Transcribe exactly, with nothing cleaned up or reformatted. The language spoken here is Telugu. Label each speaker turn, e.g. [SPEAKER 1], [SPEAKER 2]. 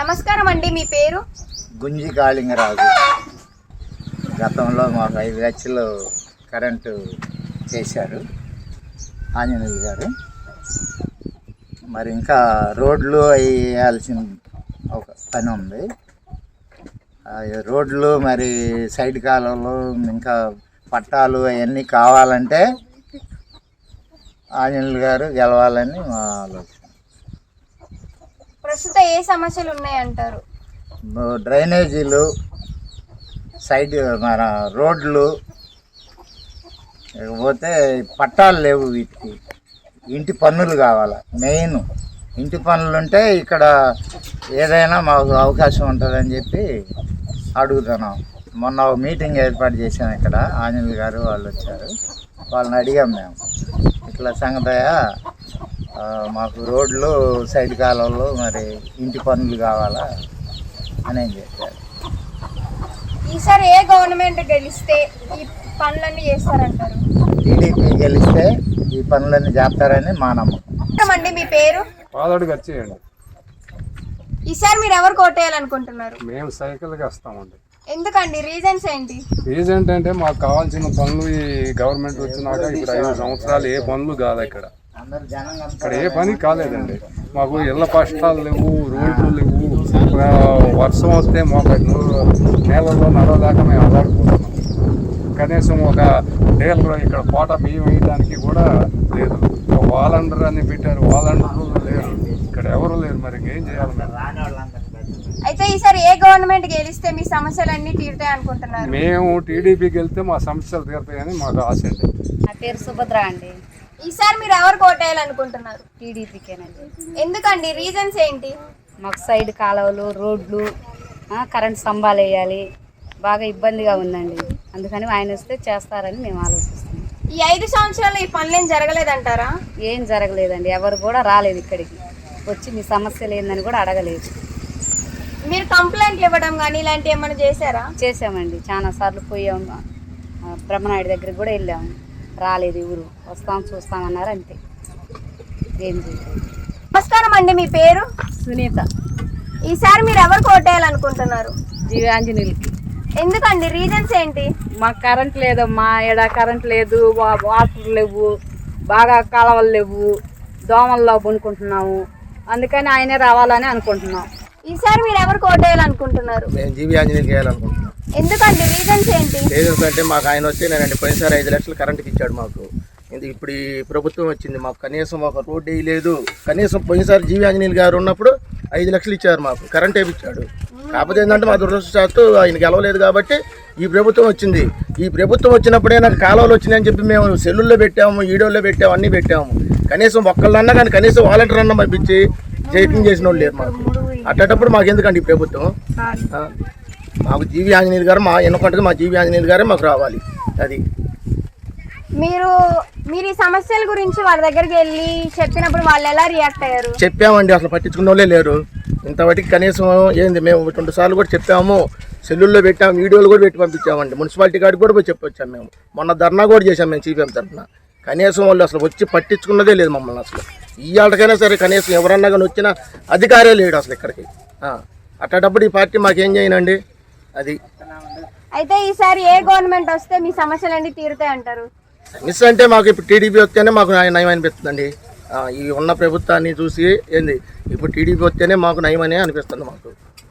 [SPEAKER 1] నమస్కారం అండి, మీ పేరు?
[SPEAKER 2] గుంజి కాళింగరాజు. గతంలో మాకు ఐదు లక్షలు కరెంటు చేశారు ఆంజనేయులు గారు. మరి ఇంకా రోడ్లు అవి వేయాల్సిన ఒక పని ఉంది. రోడ్లు మరి సైడ్ కాలువలు ఇంకా పట్టాలు అవన్నీ కావాలంటే ఆంజనేయులు గారు గెలవాలని మా ఆలోచన.
[SPEAKER 1] ప్రస్తుతం ఏ సమస్యలు ఉన్నాయంటారు?
[SPEAKER 2] డ్రైనేజీలు, సైడ్ మన రోడ్లు, లేకపోతే పట్టాలు లేవు. వీటికి ఇంటి పన్నులు కావాలి. మెయిన్ ఇంటి పన్నులు ఉంటే ఇక్కడ ఏదైనా మాకు అవకాశం ఉంటుందని చెప్పి అడుగుతున్నాం. మొన్న ఒక మీటింగ్ ఏర్పాటు చేసాం. ఇక్కడ ఆంజనేయులు గారు వాళ్ళు వచ్చారు. వాళ్ళని అడిగాం మేము, ఇట్లా సంగతయ్య మాకు రోడ్లు, సైడ్ కాలువలు, మరి ఇంటి పనులు కావాలా అని ఏం చెప్పారు.
[SPEAKER 1] ఈసారి ఏ గవర్నమెంట్ గెలిస్తే ఈ పనులన్నీ చేస్తారంటారు?
[SPEAKER 2] టీడీపీ గెలిస్తే ఈ పనులన్నీ చేస్తారని మా నమ్మకం.
[SPEAKER 1] అండి, మీ పేరు?
[SPEAKER 3] పాదడుగు వచ్చేయండి.
[SPEAKER 1] ఈసారి మీరు ఎవరు కోటేయాలనుకుంటున్నారు?
[SPEAKER 3] మేము సైకిల్కి వస్తామండి.
[SPEAKER 1] ఎందుకండి? రీజన్స్ ఏంటి?
[SPEAKER 3] రీజన్ అంటే మాకు కావాల్సిన పనులు ఈ గవర్నమెంట్ వచ్చినాక ఇప్పుడు ఐదు సంవత్సరాలు ఏ పనులు కాదు. ఇక్కడ ఇక్కడ ఏ పని కాలేదండి. మాకు ఇళ్ళ కష్టాలు లేవు, రోడ్లు లేవు. వర్షం వస్తే మాకు నేలలో నడవదాకా మేము అల్లాడిపోతున్నాం. కనీసం ఒక డేలర్ ఇక్కడ కోట బియ్యం వేయడానికి కూడా లేదు. వాలండర్ అని పెట్టారు, వాలండర్లు లేరు. ఇక్కడ ఎవరు లేరు. మరి ఏం చేయాలి మేము?
[SPEAKER 1] అయితే ఈసారి ఏ గవర్నమెంట్ గెలిస్తే మీ సమస్యలన్నీ తీరుతాయి అనుకుంటున్నారు?
[SPEAKER 3] మేము టీడీపీకి వెళ్తే మా సమస్యలు తీరుతాయని మాకు ఆశ అండి.
[SPEAKER 4] నా పేరు సుభద్ర అండి.
[SPEAKER 1] ఈసారి మీరు ఎవరు కోటేయాలనుకుంటున్నారు?
[SPEAKER 4] టీడీపీకేనండి.
[SPEAKER 1] ఎందుకండి? రీజన్స్ ఏంటి?
[SPEAKER 4] మాకు సైడ్ కాలువలు, రోడ్లు, కరెంట్ స్తంభాలు వేయాలి. బాగా ఇబ్బందిగా ఉందండి. అందుకని ఆయన వస్తే చేస్తారని మేము ఆలోచిస్తున్నాం.
[SPEAKER 1] ఈ ఐదు సంవత్సరాలు ఈ పనులు ఏం జరగలేదంటారా?
[SPEAKER 4] ఏం జరగలేదండి. ఎవరు కూడా రాలేదు ఇక్కడికి వచ్చి మీ సమస్యలు ఏందని కూడా అడగలేదు.
[SPEAKER 1] మీరు కంప్లైంట్లు ఇవ్వడం కానీ ఇలాంటివి ఏమైనా చేశారా?
[SPEAKER 4] చేసామండి, చాలా సార్లు పోయాము. బ్రహ్మనాయుడు దగ్గరికి కూడా వెళ్ళాము. రాలేదు, ఊరు వస్తాం చూస్తామన్నారు, అంతే. ఏం చేయలేదు.
[SPEAKER 1] నమస్కారం అండి, మీ పేరు?
[SPEAKER 4] సునీత.
[SPEAKER 1] ఈసారి మీరు ఎవరు కోటేయాలనుకుంటున్నారు?
[SPEAKER 4] జీవి ఆంజనేయులకి.
[SPEAKER 1] ఎందుకండి? రీజన్స్ ఏంటి?
[SPEAKER 4] మాకు కరెంట్ లేదమ్మా. ఎడ కరెంట్ లేదు, వాటర్ లేవు, బాగా కాలువలు లేవు, దోమల్లో కొనుక్కుంటున్నాము. అందుకని ఆయనే రావాలని అనుకుంటున్నాం.
[SPEAKER 1] ఈసారి మీరు ఎవరు కోటేయాలనుకుంటున్నారు?
[SPEAKER 5] మేము జీవి ఆంజనేయులకి వేయాలనుకుంటున్నాం.
[SPEAKER 1] ఎందుకండి? రీజన్స్ ఏంటి?
[SPEAKER 5] రీజన్స్ అంటే మాకు ఆయన వస్తే నేనండి పోయినసారి ఐదు లక్షలు కరెంట్కి ఇచ్చాడు మాకు. ఇప్పుడు ఈ ప్రభుత్వం వచ్చింది, మాకు కనీసం ఒక రోడ్డు వేయలేదు. కనీసం పోయినసారి జీవి ఆంజనేయులు గారు ఉన్నప్పుడు ఐదు లక్షలు ఇచ్చారు, మాకు కరెంట్ వేయించాడు. కాకపోతే ఏంటంటే మా దురదృష్టవశాత్తు ఆయన గెలవలేదు కాబట్టి ఈ ప్రభుత్వం వచ్చింది. ఈ ప్రభుత్వం వచ్చినప్పుడే నాకు కాలువలు వచ్చినాయని చెప్పి మేము సెల్లుల్లో పెట్టాము, ఈడోల్లో పెట్టాము, అన్నీ పెట్టాము. కనీసం ఒక్కళ్ళన్నా కానీ కనీసం వాలంటీర్ అన్న పంపించి చెకింగ్ చేసిన వాళ్ళు లేరు మాకు. అట్టేటప్పుడు మాకు ఎందుకండి ఈ ప్రభుత్వం? మాకు జీవి ఆంజనేయులు గారు మా ఎన్నుకుంటే మా జీవి ఆంజనేయులు గారే మాకు రావాలి. అది
[SPEAKER 1] మీరు మీరు ఈ సమస్యల గురించి వాళ్ళ దగ్గరికి వెళ్ళి చెప్పినప్పుడు వాళ్ళు ఎలా రియాక్ట్ అయ్యారు?
[SPEAKER 5] చెప్పామండి, అసలు పట్టించుకున్న వాళ్ళే లేరు. ఇంతవరకు కనీసం ఏంది మేము రెండు సార్లు కూడా చెప్పాము, సెల్లుల్లో పెట్టాము, వీడియోలు కూడా పెట్టి పంపించామండి. మున్సిపాలిటీ కాడికి కూడా పోయి చెప్పొచ్చాము. మేము మొన్న ధర్నా కూడా చేసాము మేము సిపిఎం తరఫున. కనీసం వాళ్ళు అసలు వచ్చి పట్టించుకున్నదే లేదు మమ్మల్ని. అసలు ఈ ఆటకైనా సరే కనీసం ఎవరన్నా కానీ వచ్చిన అధికారే లేడు అసలు ఇక్కడికి. అట్టేటప్పుడు ఈ పార్టీ మాకేం చేయనండి. అది
[SPEAKER 1] అయితే ఈసారి ఏ గవర్నమెంట్ వస్తే మీ సమస్యలన్నీ తీరుతాయి అంటారు?
[SPEAKER 5] మిస్ అంటే మాకు ఇప్పుడు టీడీపీ వస్తేనే మాకు నయం అనిపిస్తుందండి. ఈ ఉన్న ప్రభుత్వాన్ని చూసి ఏంది ఇప్పుడు టీడీపీ వస్తేనే మాకు నయం అనే అనిపిస్తుంది మాకు.